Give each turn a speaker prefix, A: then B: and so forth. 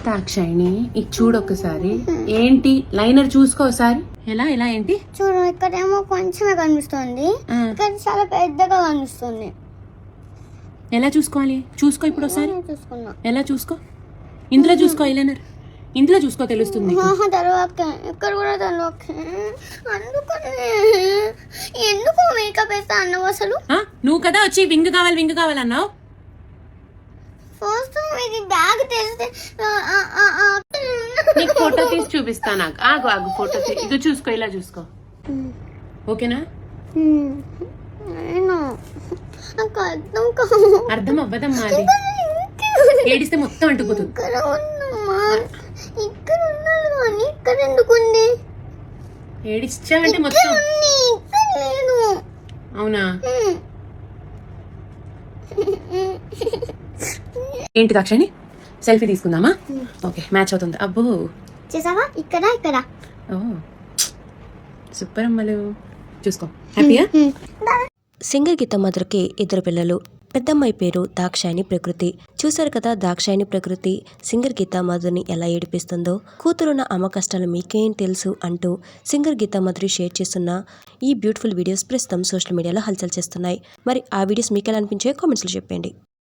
A: దాక్షాయిని ఇది చూడు ఒకసారి. ఏంటి లైనర్ చూసుకో ఒకసారి. ఎలా ఏంటి
B: చూడు, ఇక్కడేమో కొంచెమే కనిపిస్తుంది, ఇక్కడ చాలా పెద్దగా కనిపిస్తుంది.
A: ఎలా చూసుకోవాలి? చూసుకో ఇప్పుడు ఒకసారి.
B: చూసుకున్నా.
A: ఎలా చూసుకో? ఇందులో చూసుకో ఐలైనర్, ఇందులో చూసుకో తెలుస్తుంది.
B: తర్వాత ఇక్కడ కూడా తర్వాత అందుకని ఎందుకు మేకప్ వేస్తా అన్నావు అసలు?
A: నువ్వు కదా వచ్చి వింగ్ కావాలన్నావు.
B: ఫస్ట్ ఇది బ్యాగ్ తెస్తే
A: నీకు ఫోటో తీసి చూపిస్తా. నాకు ఆగు ఫోటో ఇది చూసుకో, ఇలా చూసుకో. ఓకేనా? అర్థం అవ్వదమ్మా, అది ఏడిస్తే మొత్తం అంటుకుతుంది.
B: ఇక్కడ ఉన్నాను కానీ ఇక్కడ ఎందుకుంది?
A: ఏడిచావంటే మొత్తం. అవునా? ఏంటి దాక్షాయిని, సెల్ఫీ తీసుకుందామా? ఓకే, మ్యాచ్ అవుతుంది. అబ్బో
B: చేసావా? ఇక్కడ
A: ఓ సూపర్ అమ్మలు. చూసుకో, హ్యాపీయా?
C: సింగర్ గీత మధురకి 2 పిల్లలు. పెద్దమ్మాయి పేరు దాక్షాయిని ప్రకృతి. చూశారు కదా దాక్షాయిని ప్రకృతి సింగర్ గీతా మధుని ఎలా ఏడిపిస్తుందో. కూతురున్న అమ్మ కష్టాలు మీకేం తెలుసు అంటూ సింగర్ గీతా మధురి షేర్ చేస్తున్న ఈ బ్యూటిఫుల్ వీడియోస్ ప్రస్తుతం సోషల్ మీడియాలో హల్చల్ చేస్తున్నాయి. మరి ఆ వీడియోస్ మీకు ఎలా అనిపించాయో కామెంట్స్లో చెప్పండి.